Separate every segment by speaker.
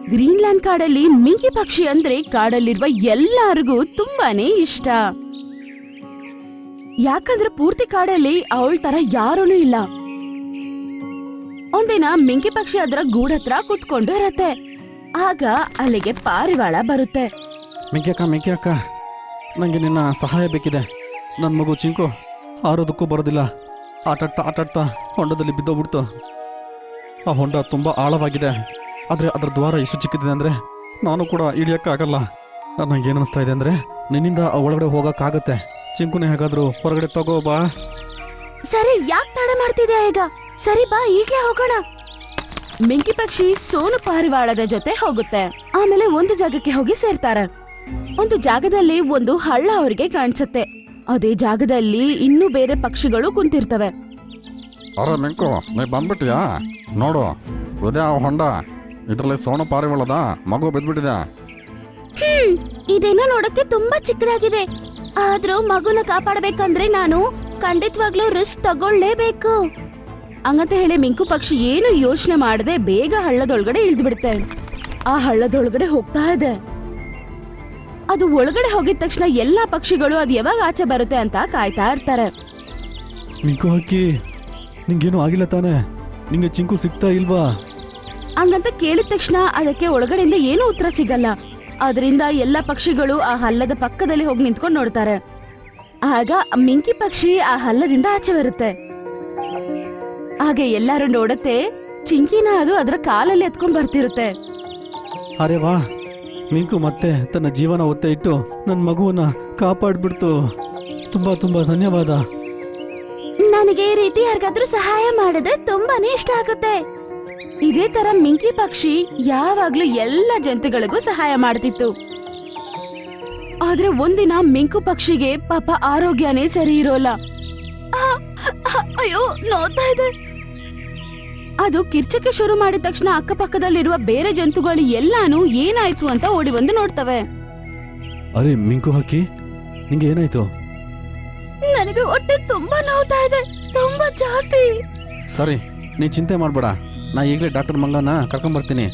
Speaker 1: Greenland ಕಾಡಲ್ಲಿ ಮಿಂಕಿ ಪಕ್ಷಿ ಅಂದ್ರೆ ಕಾಡಲ್ಲಿರುವ ಎಲ್ಲರಿಗೂ ತುಂಬಾನೇ ಇಷ್ಟ. ಯಾಕಂದ್ರೆ ಪೂರ್ತಿ ಕಾಡಲ್ಲಿ ಅವಳ ತರ ಯಾರೂ ಇಲ್ಲ. ಒಂದಿನ ಮಿಂಕಿ ಪಕ್ಷಿ ಅದರ ಗೂಡತ್ರ ಕುತ್ಕೊಂಡು ಇರತ್ತೆ. ಆಗ ಅಲ್ಲಿಗೆ ಪಾರಿವಾಳ ಬರುತ್ತೆ.
Speaker 2: ಮಿಂಕಿ ಅಕ್ಕ, ನನಗೆ ನಿನ್ನ ಸಹಾಯ ಬೇಕಿದೆ. ನನ್ನ ಮಗು ಚಿಂಕು ಹಾರೋದಕ್ಕೂ ಬರೋದಿಲ್ಲ. ಆಟಾಡ್ತಾ ಹೊಂಡದಲ್ಲಿ ಬಿದ್ದೋಗ್ಬಿಡ್ತು. ಆ ಹೊಂಡ ತುಂಬ ಆಳವಾಗಿದೆ. ಆದರೆ ಅದರ ದ್ವಾರ ಎಷ್ಟು ಚಿಕ್ಕಿದೆ ಅಂದರೆ ನಾನು ಕೂಡ ಇಳಿಯೋಕ್ಕಾಗಲ್ಲ. ನನಗೇನು ಅನಿಸ್ತಾ ಇದೆ ಅಂದರೆ ನಿನ್ನಿಂದ ಒಳಗಡೆ ಹೋಗೋಕ್ಕಾಗತ್ತೆ. ಚಿಂಕುನೇ ಹೇಗಾದರೂ ಹೊರಗಡೆ ತಗೋ ಬಾ.
Speaker 1: ಸರಿ, ಯಾಕೆ ತಡ ಮಾಡ್ತಿದ್ಯಾ ಈಗ? ಸರಿ ಬಾ, ಈಗ್ಲೇ ಹೋಗೋಣ. ಮಿಂಕಿ ಪಕ್ಷಿ ಸೋನು ಪಾರಿವಾಳದ ಜೊತೆ ಹೋಗುತ್ತೆ. ಆಮೇಲೆ ಒಂದು ಜಾಗಕ್ಕೆ ಹೋಗಿ ಸೇರ್ತಾರೆ. ಒಂದು ಜಾಗದಲ್ಲಿ ಒಂದು ಹಳ್ಳ ಅವರಿಗೆ ಕಾಣಿಸುತ್ತೆ. ಅದೇ ಜಾಗದಲ್ಲಿ ಇನ್ನೂ ಬೇರೆ ಪಕ್ಷಿಗಳು ಕುಂತಿರ್ತವೆ.
Speaker 2: ಅರೆ ಮಿಂಕು, ನೀ ಬಂದ್ಬಿಟ್ಟಿಯಾ? ನೋಡು, ಇದೇ ಆ ಹೊಂಡ. ಇದರಲ್ಲಿ ಸೋನು ಪಾರಿವಾಳದ ಮಗು ಬಿದ್ದ್ಬಿಟ್ಟಿದೆ.
Speaker 1: ಇದೇನೋ ನೋಡಕ್ಕೆ ತುಂಬಾ ಚಿಕ್ಕದಾಗಿದೆ. ಆದ್ರೂ ಮಗುನ ಕಾಪಾಡಬೇಕಂದ್ರೆ ನಾನು ಖಂಡಿತವಾಗ್ಲೂ ರಿಸ್ಕ್ ತಗೊಳ್ಳೇಬೇಕು. ಹಂಗಂತ ಹೇಳಿ ಮಿಂಕು ಪಕ್ಷಿ ಏನು ಯೋಚನೆ ಮಾಡದೆ ಬೇಗ ಹಳ್ಳದೊಳಗಡೆ ಇಳಿದು ಬಿಡುತ್ತೆ. ಆ ಹಳ್ಳದೊಳಗಡೆ ಹೋಗ್ತಾ ಇದೆ. ಅದು ಒಳಗಡೆ ಹೋಗಿದ ತಕ್ಷಣ ಎಲ್ಲಾ ಪಕ್ಷಿಗಳು ಅದು ಯಾವಾಗ ಆಚೆ ಬರುತ್ತೆ ಅಂತ ಕಾಯ್ತಾ ಇರ್ತಾರೆ.
Speaker 2: ಮಿಂಕು ಹಾಕಿ, ನಿಂಗೇನು ಆಗಿಲ್ಲ ತಾನೆ? ನಿಂಗೆ ಚಿಂಕು ಸಿಗ್ತಾ ಇಲ್ವಾ?
Speaker 1: ಹಂಗಂತ ಕೇಳಿದ ತಕ್ಷಣ ಅದಕ್ಕೆ ಒಳಗಡೆಯಿಂದ ಏನೂ ಉತ್ತರ ಸಿಗಲ್ಲ. ಅದರಿಂದ ಎಲ್ಲಾ ಪಕ್ಷಿಗಳು ಆ ಹಳ್ಳದ ಪಕ್ಕದಲ್ಲಿ ಹೋಗಿ ನಿಂತ್ಕೊಂಡು ನೋಡ್ತಾರೆ. ಆಗ ಮಿಂಕಿ ಪಕ್ಷಿ ಆ ಹಳ್ಳದಿಂದ ಆಚೆ ಬರುತ್ತೆ. ಹಾಗೆ ಎಲ್ಲರೂ ನೋಡುತ್ತೆ, ಚಿಂಕಿನ ಅದು ಅದರ ಕಾಲಲ್ಲಿ ಎತ್ಕೊಂಡ್ ಬರ್ತಿರುತ್ತೆ.
Speaker 2: ಅರೆ ವಾ, ಮಿಂಕು ಮತ್ತೆ ತನ್ನ ಜೀವನ ಒತ್ತೆ ಇಟ್ಟು ನನ್ನ ಮಗುವನ್ನ ಕಾಪಾಡ್ಬಿಡ್ತು. ತುಂಬಾ ತುಂಬಾ ಧನ್ಯವಾದ.
Speaker 1: ನನಗೆ ಈ ರೀತಿ ಯಾರಿಗಾದ್ರೂ ಸಹಾಯ ಮಾಡಿದ್ರೆ ತುಂಬಾನೇ ಇಷ್ಟ ಆಗುತ್ತೆ. ಇದೇ ತರ ಮಿಂಕಿ ಪಕ್ಷಿ ಯಾವಾಗ್ಲೂ ಎಲ್ಲ ಜಂತುಗಳಿಗೂ ಸಹಾಯ ಮಾಡ್ತಿತ್ತು. ಆದ್ರೆ ಒಂದಿನ ಮಿಂಕು ಪಕ್ಷಿಗೆ ಪಾಪ ಆರೋಗ್ಯನೇ ಸರಿ ಇರೋಲ್ಲ. ಅಯ್ಯೋ, ನೋಡ್ತಾ ಇದೆ. ಅದು ಕಿರ್ಚಕ್ಕೆ ಶುರು ಮಾಡಿದ ತಕ್ಷಣ ಅಕ್ಕಪಕ್ಕದಲ್ಲಿರುವ ಬೇರೆ ಜಂತುಗಳು ಎಲ್ಲಾನು ಏನಾಯ್ತು ಅಂತ ಓಡಿ ಬಂದು ನೋಡ್ತವೆ.
Speaker 2: ಅರೆ ಮಿಂಕು ಹಾಕಿ, ನಿಂಗೆ ಏನಾಯ್ತು?
Speaker 1: ನನಗೆ ಹೊಟ್ಟೆ ತುಂಬಾ ನೋವ್ತಾ ಇದೆ, ತುಂಬಾ ಜಾಸ್ತಿ.
Speaker 2: ಸರಿ, ನೀ ಚಿಂತೆ ಮಾಡ್ಬೇಡ. ನಾ ಈಗಲೇ ಡಾಕ್ಟರ್ ಮಂಗನ ಕರ್ಕೊಂಡ್ಬರ್ತೀನಿ.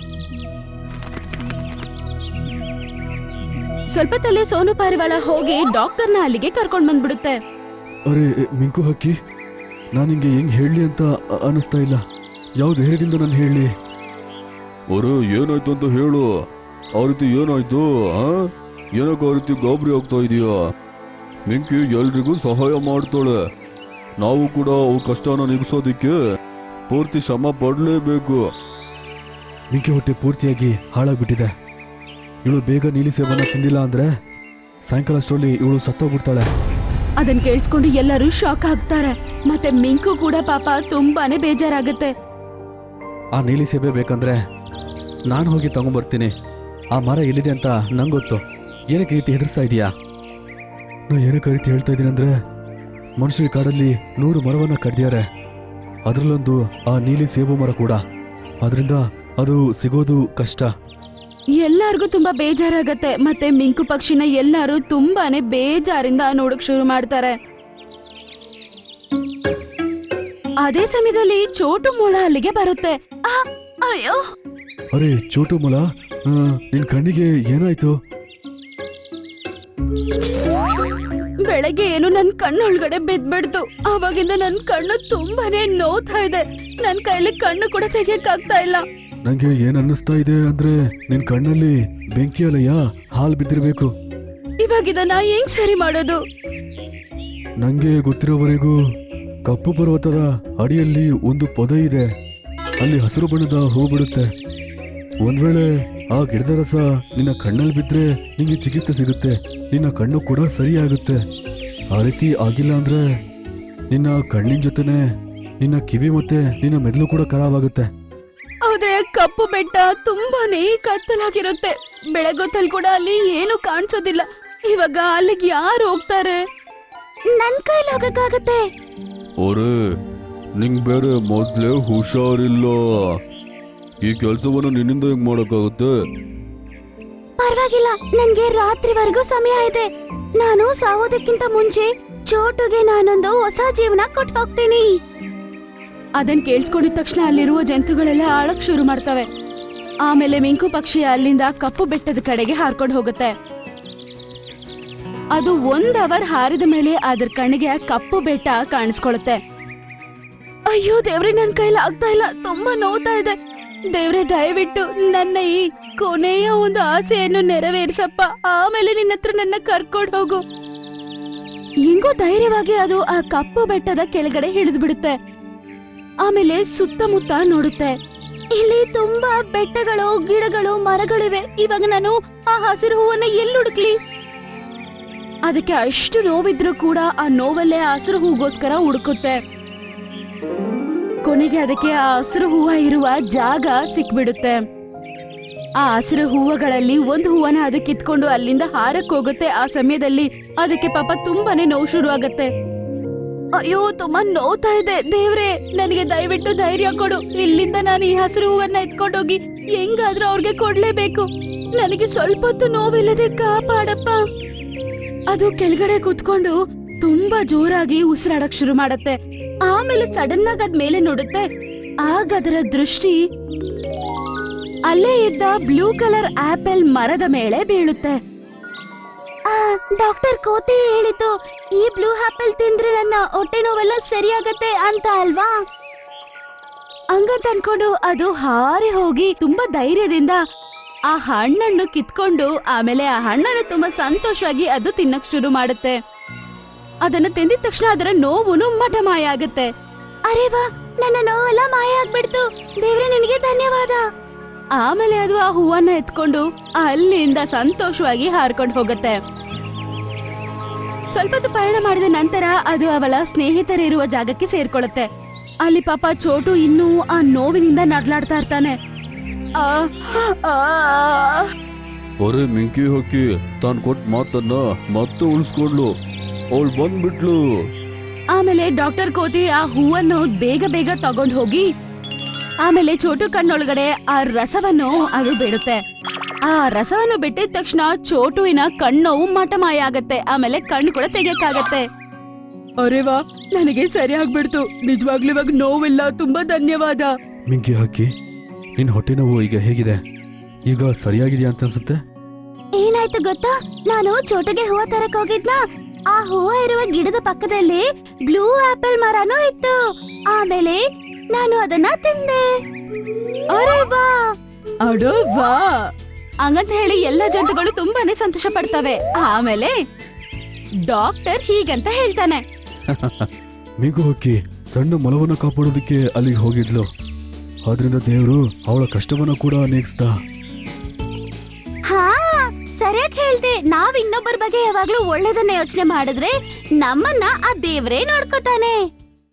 Speaker 1: ಸ್ವಲ್ಪದಲ್ಲೇ ಸೋನು ಪಾರಿವಾಳ ಹೋಗಿ ಡಾಕ್ಟರ್ನ ಅಲ್ಲಿಗೆ ಕರ್ಕೊಂಡ್ ಬಂದ್ಬಿಡುತ್ತೆ.
Speaker 2: ಅರೆ ಮಿಂಕು ಹಕ್ಕಿ, ನಾನು ನಿಂಗೆ ಹೆಂಗ್ ಹೇಳಲಿ ಅಂತ ಅನಿಸ್ತಾ ಇಲ್ಲ. ಯಾವ ಧೈರ್ಯದಿಂದ ನಾನು ಹೇಳಲಿ? ಅರೆ ಏನಾಯ್ತು ಅಂತ ಹೇಳು. ಆ ರೀತಿ ಏನಾಯ್ತು? ಏನಕ್ಕೆ ಆ ರೀತಿ ಗಾಬರಿ ಆಗ್ತಾ ಇದೀಯಾ? ಮಿಂಕಿ ಎಲ್ರಿಗೂ ಸಹಾಯ ಮಾಡ್ತಾಳೆ. ನಾವು ಕೂಡ ಅವ್ರ ಕಷ್ಟನ ನಿಗಿಸೋದಿಕ್ಕೆ ಪೂರ್ತಿ ಶ್ರಮ ಪಡಲೇಬೇಕು. ಮಿಂಕಿ ಹೊಟ್ಟೆ ಪೂರ್ತಿಯಾಗಿ ಹಾಳಾಗ್ಬಿಟ್ಟಿದೆ. ಇವಳು ಬೇಗ ನೀಲಿ ಸೇವನ ತಿಂದಿಲ್ಲ ಅಂದ್ರೆ ಸಾಯಂಕಾಲ ಅಷ್ಟರಲ್ಲಿ ಇವಳು ಸತ್ತೋಗ್ಬಿಡ್ತಾಳೆ.
Speaker 1: ಅದನ್ ಕೇಳಿಸ್ಕೊಂಡು ಎಲ್ಲರೂ ಶಾಕ್ ಆಗ್ತಾರೆ. ಮತ್ತೆ ಮಿಂಕು ಕೂಡ ಪಾಪ ತುಂಬಾನೇ ಬೇಜಾರಾಗುತ್ತೆ.
Speaker 2: ಆ ನೀಲಿ ಸೇಬೆ ಬೇಕಂದ್ರೆ ನಾನು ಹೋಗಿ ತಗೊಂಡ್ಬರ್ತೀನಿ. ಆ ಮರ ಎಲ್ಲಿದೆ ಅಂತ ನಂಗೆ ಗೊತ್ತು. ಏನಕ್ಕೆ ರೀತಿ ಹೆದರ್ಸ್ತಾ ಇದೀಯಾ? ನಾ ಏನಕ್ಕೆ ರೀತಿ ಹೇಳ್ತಾ ಇದ್ದೀನಿ ಅಂದ್ರೆ, ಮನುಷ್ಯರ ಕಾಡಲ್ಲಿ 100 ಮರವನ್ನ ಕಡ್ದಿದ್ದಾರೆ. ಅದರಲ್ಲೊಂದು ಆ ನೀಲಿ ಸೇಬು ಮರ ಕೂಡ. ಅದರಿಂದ ಅದು ಸಿಗೋದು ಕಷ್ಟ.
Speaker 1: ಎಲ್ಲಾರ್ಗೂ ತುಂಬಾ ಬೇಜಾರಾಗತ್ತೆ. ಮತ್ತೆ ಮಿಂಕು ಪಕ್ಷಿನ ಎಲ್ಲಾರು ತುಂಬಾನೇ ಬೇಜಾರಿಂದ ನೋಡಕ್ ಶುರು ಮಾಡ್ತಾರೆ. ಅದೇ ಸಮಯದಲ್ಲಿ ಚೋಟು ಮೊಲ ಅಲ್ಲಿಗೆ ಬರುತ್ತೆ. ಅಯ್ಯೋ,
Speaker 2: ಅರೆ ಚೋಟು ಮೊಲ, ನಿನ್ ಕಣ್ಣಿಗೆ ಏನಾಯ್ತು?
Speaker 1: ಬೆಳಗ್ಗೆ ಏನು ನನ್ ಕಣ್ಣೊಳಗಡೆ ಬಿದ್ಬಿಡ್ತು. ಅವಾಗಿಂದ ನನ್ ಕಣ್ಣು ತುಂಬಾನೇ ನೋವ್ತಾ ಇದೆ. ನನ್ ಕೈಲಿ ಕಣ್ಣು ಕೂಡ ತೆಗಿಯಕ್ಕಾಗ್ತಾ ಇಲ್ಲ.
Speaker 2: ನಂಗೆ ಏನ್ ಅನ್ನಿಸ್ತಾ ಇದೆ ಅಂದ್ರೆ, ನಿನ್ ಕಣ್ಣಲ್ಲಿ ಬೆಂಕಿ ಅಲೆಯ ಹಾಲ್ ಬಿದ್ದಿರ್ಬೇಕು.
Speaker 1: ಇವಾಗಿದನ್ನ ಹೆಂಗ್ ಸರಿ ಮಾಡೋದು?
Speaker 2: ನಂಗೆ ಗೊತ್ತಿರೋವರೆಗೂ ಕಪ್ಪು ಪರ್ವತದ ಅಡಿಯಲ್ಲಿ ಒಂದು ಪೊದೆ ಇದೆ. ಅಲ್ಲಿ ಹಸಿರು ಬಣ್ಣದ ಹೂ ಬಿಡುತ್ತೆ. ಒಂದ್ ವೇಳೆ ಆ ಗಿಡದ ರಸ ನಿನ್ನ ಕಣ್ಣಲ್ಲಿ ಬಿದ್ರೆ ನಿಂಗೆ ಚಿಕಿತ್ಸೆ ಸಿಗುತ್ತೆ. ನಿನ್ನ ಕಣ್ಣು ಕೂಡ ಸರಿಯಾಗುತ್ತೆ. ಆ ರೀತಿ ಆಗಿಲ್ಲ ಅಂದ್ರೆ ನಿನ್ನ ಕಣ್ಣಿನ ಜೊತೆನೆ ನಿನ್ನ ಕಿವಿ ಮತ್ತೆ ನಿನ್ನ ಮೆದುಳು ಕೂಡ ಖರಾಬಾಗುತ್ತೆ.
Speaker 1: ಆದ್ರೆ ಕಪ್ಪು ಬೆಟ್ಟ ತುಂಬಾನೇ ಕತ್ತಲಾಗಿರುತ್ತೆ. ಬೆಳಗೊತ್ತಲ್ಲಿ ಕೂಡ ಅಲ್ಲಿ ಏನು ಕಾಣಿಸೋದಿಲ್ಲ. ಇವಾಗ ಅಲ್ಲಿಗೆ ಯಾರು ಹೋಗ್ತಾರೆ? ನನ್ ಕೈಲಿ ಹೋಗಕ್ಕಾಗತ್ತೆ.
Speaker 2: ಅರೆ, ನಿಂಗ್ ಬೇರೆ ಮೊದ್ಲೇ ಹುಷಾರಿಲ್ಲ. ಈ ಕೆಲಸವನ್ನು ನಿನ್ನಿಂದ ಹೆಂಗ್ ಮಾಡಕ್ಕಾಗುತ್ತೆ?
Speaker 1: ಪರವಾಗಿಲ್ಲ, ನನ್ಗೆ ರಾತ್ರಿವರೆಗೂ ಸಮಯ ಇದೆ. ನಾನು ಸಾಯೋದಕ್ಕಿಂತ ಮುಂಚೆ ಚೋಟುಗೆ ನಾನೊಂದು ಹೊಸ ಜೀವನ ಕೊಟ್ಟು ಹೋಗ್ತೀನಿ. ಅದನ್ ಕೇಳಿಸ್ಕೊಂಡಿದ ತಕ್ಷಣ ಅಲ್ಲಿರುವ ಜಂತುಗಳೆಲ್ಲ ಆಳಕ್ ಶುರು ಮಾಡ್ತವೆ. ಆಮೇಲೆ ಮಿಂಕು ಪಕ್ಷಿ ಅಲ್ಲಿಂದ ಕಪ್ಪು ಬೆಟ್ಟದ ಕಡೆಗೆ ಹಾರ್ಕೊಂಡು ಹೋಗುತ್ತೆ. ಅದು 1 ಅವರ್ ಹಾರಿದ ಮೇಲೆ ಅದ್ರ ಕಣ್ಣಿಗೆ ಆ ಕಪ್ಪು ಬೆಟ್ಟ ಕಾಣಿಸ್ಕೊಳುತ್ತೆ. ಅಯ್ಯೋ ದೇವ್ರೆ, ನನ್ ಕೈಲಿ ಆಗ್ತಾ ಇಲ್ಲ, ತುಂಬಾ ನೋವ್ತಾ ಇದೆ. ದೇವ್ರೆ, ದಯವಿಟ್ಟು ನನ್ನ ಈ ಕೊನೆಯ ಒಂದು ಆಸೆಯನ್ನು ನೆರವೇರಿಸಪ್ಪ. ಆಮೇಲೆ ನಿನ್ನ ಹತ್ರ ನನ್ನ ಕರ್ಕೊಂಡು ಹೋಗು. ಹೆಂಗೋ ಧೈರ್ಯವಾಗಿ ಅದು ಆ ಕಪ್ಪು ಬೆಟ್ಟದ ಕೆಳಗಡೆ ಹಿಡಿದು ಬಿಡುತ್ತೆ. ಆಮೇಲೆ ಸುತ್ತಮುತ್ತ ನೋಡುತ್ತೆ. ಇಲ್ಲಿ ತುಂಬಾ ಬೆಟ್ಟಗಳು, ಗಿಡಗಳು, ಮರಗಳಿವೆ. ಇವಾಗ ನಾನು ಆ ಹಸಿರು ಹೂವನ್ನ ಎಲ್ಲಿ ಹುಡುಕ್ಲಿ? ಅದಕ್ಕೆ ಅಷ್ಟು ನೋವಿದ್ರು ಕೂಡ ಆ ನೋವಲ್ಲೇ ಹಸಿರು ಹೂಗೋಸ್ಕರ ಹುಡುಕುತ್ತೆ. ಕೊನೆಗೆ ಅದಕ್ಕೆ ಆ ಹಸಿರು ಹೂವ ಇರುವ ಜಾಗ ಸಿಕ್ಬಿಡುತ್ತೆ. ಆ ಹಸಿರು ಹೂವಗಳಲ್ಲಿ ಒಂದು ಹೂವನ ಅದು ಕಿತ್ಕೊಂಡು ಅಲ್ಲಿಂದ ಹಾರಕ್ ಹೋಗುತ್ತೆ. ಆ ಸಮಯದಲ್ಲಿ ಅದಕ್ಕೆ ಪಾಪ ತುಂಬಾನೇ ನೋವು ಶುರು ಆಗತ್ತೆ. ಅಯ್ಯೋ, ತುಂಬಾ ನೋವ್ತಾ ಇದೆ. ದೇವ್ರೆ, ನನಗೆ ದಯವಿಟ್ಟು ಧೈರ್ಯ ಕೊಡು. ಇಲ್ಲಿಂದ ನಾನು ಈ ಹಸಿರು ಹೂವನ್ನ ಎತ್ಕೊಂಡೋಗಿ ಹೆಂಗಾದ್ರೂ ಅವ್ರಿಗೆ ಕೊಡ್ಲೇಬೇಕು. ನನಗೆ ಸ್ವಲ್ಪ ಹೊತ್ತು ನೋವಿಲ್ಲದೆ ಕಾಪಾಡಪ್ಪ. ಅದು ಕೆಳಗಡೆ ಕೂತ್ಕೊಂಡು ತುಂಬಾ ಜೋರಾಗಿ ಉಸಿರಾಡಕ್ ಶುರು ಮಾಡತ್ತೆ. ಆಮೇಲೆ ಸಡನ್ ಆಗಿ ಅದ್ ಮೇಲೆ ನೋಡುತ್ತೆ. ಆಗ ಅದರ ದೃಷ್ಟಿ ಅಲ್ಲೇ ಇದ್ದ ಬ್ಲೂ ಕಲರ್ ಆಪಲ್ ಮರದ ಮೇಲೆ ಬೀಳುತ್ತೆ. ಡಾಕ್ಟರ್ ಕೋತಿ ಹೇಳಿತು, ಈ ಬ್ಲೂ ಆಪಲ್ ತಿಂದ್ರೆ ನನ್ನ ಹೊಟ್ಟೆ ನೋವೆಲ್ಲ ಸರಿಯಾಗತ್ತೆ ಅಂತ ಅಲ್ವಾ? ಹಂಗಂತ ಅನ್ಕೊಂಡು ಅದು ಹಾರಿ ಹೋಗಿ ತುಂಬಾ ಧೈರ್ಯದಿಂದ ಆ ಹಣ್ಣನ್ನು ಕಿತ್ಕೊಂಡು ಆಮೇಲೆ ಆ ಹಣ್ಣನ್ನು ತುಂಬಾ ಸಂತೋಷವಾಗಿ ಅದು ತಿನ್ನಕ್ ಶುರು ಮಾಡುತ್ತೆ. ಅದನ್ನ ತಿಂದಿದ ತಕ್ಷಣ ಅದರ ನೋವುನು ಮಾಯ ಆಗುತ್ತೆ. ಅರೆ ವಾ, ನನ್ನ ನೋವೆಲ್ಲ ಮಾಯ ಆಗ್ಬಿಡ್ತು. ದೇವ್ರೆ, ನಿನಗೆ ಧನ್ಯವಾದ. ಆಮೇಲೆ ಅದು ಆ ಹೂವನ್ನ ಎತ್ಕೊಂಡು ಅಲ್ಲಿಂದ ಸಂತೋಷವಾಗಿ ಹಾರ್ಕೊಂಡು ಹೋಗುತ್ತೆ. ಸ್ವಲ್ಪ ಹೊತ್ತು ಪಯಣ ಮಾಡಿದ ನಂತರ ಅದು ಅವಳ ಸ್ನೇಹಿತರಿರುವ ಜಾಗಕ್ಕೆ ಸೇರ್ಕೊಳ್ಳುತ್ತೆ. ಅಲ್ಲಿ ಪಾಪ ಚೋಟು ಇನ್ನೂ ಆ ನೋವಿನಿಂದ ನಡ್ಲಾಡ್ತಾ ಇರ್ತಾನೆ.
Speaker 2: ಒರೆ ಮಿಂಕಿ ಹಕ್ಕಿ ತಾನ್ ಕೊಟ್ಟ ಮಾತನ್ನ ಮತ್ತೆ ಉಳಿಸ್ಕೊಂಡ್ಲು. ಅವಳು ಬಂದ್ಬಿಟ್ಲು.
Speaker 1: ಆಮೇಲೆ ಡಾಕ್ಟರ್ ಕೋತಿ ಆ ಹೂವನ್ನು ಬೇಗ ಬೇಗ ತಗೊಂಡ್ ಹೋಗಿ ಆಮೇಲೆ ಚೋಟು ಕಣ್ಣೊಳಗಡೆ ಆ ರಸವನ್ನು ಅದು ಬಿಡುತ್ತೆ. ಆ ರಸವನ್ನು ಬಿಟ್ಟಿದ ತಕ್ಷಣ ಚೋಟುವಿನ ಕಣ್ಣೋವು ಮಾಯ ಆಗತ್ತೆ. ಆಮೇಲೆ ಕಣ್ಣು ಕೂಡ ತೆಗಿಯಕ್ಕಾಗತ್ತೆ. ಅರೆ ವಾ, ನನಗೆ ಸರಿ ಆಗ್ಬಿಡ್ತು. ನಿಜವಾಗ್ಲೂ ಇವಾಗ ನೋವಿಲ್ಲ. ತುಂಬಾ ಧನ್ಯವಾದ.
Speaker 2: ಮಿಂಕಿ ಹಕ್ಕಿ, ನಿನ್ ಹೊಟ್ಟೆ ನೋವು ಈಗ ಹೇಗಿದೆ? ಈಗ ಸರಿಯಾಗಿದೆಯಾ ಅಂತ ಅನ್ಸುತ್ತೆ?
Speaker 1: ಏನಾಯ್ತು ಗೊತ್ತಾ, ನಾನು ಚೋಟುಗೆ ಹೂವ ತರಕ್ ಹೋಗಿದ್ನ. ಆ ಹೂವ ಇರುವ ಗಿಡದ ಪಕ್ಕದಲ್ಲಿ ಬ್ಲೂ ಆಪಲ್ ಮರನೂ ಇತ್ತು. ಆಮೇಲೆ ನಾನು ಅದನ್ನ ತಿಂದೆ. ಅರೆ ವಾ, ಅಡೋ ವಾ ಹಂಗಂತ ಹೇಳಿ ಎಲ್ಲ ಜಂತುಗಳು ತುಂಬಾನೇ ಸಂತೋಷ ಪಡ್ತವೆ. ಆಮೇಲೆ ಡಾಕ್ಟರ್ ಹೀಗಂತ ಹೇಳ್ತಾನೆ,
Speaker 2: ಮಿಂಕು ಹಕ್ಕಿ ಸಣ್ಣ ಮೊಲವನ್ನ ಕಾಪಾಡೋದಕ್ಕೆ ಅಲ್ಲಿಗೆ ಹೋಗಿದ್ಲು. ಆದ್ರಿಂದ ದೇವರು ಅವಳ ಕಷ್ಟವನ್ನ ಕೂಡ ನೀಗಿಸ್ದ.
Speaker 1: ಹಾ, ಸರಿಯಾಗಿ ಹೇಳ್ದೆ. ನಾವ್ ಇನ್ನೊಬ್ಬರ ಬಗ್ಗೆ ಯಾವಾಗ್ಲೂ ಒಳ್ಳೇದನ್ನ ಯೋಚನೆ ಮಾಡಿದ್ರೆ ನಮ್ಮನ್ನ ಆ ದೇವ್ರೇ ನೋಡ್ಕೋತಾನೆ.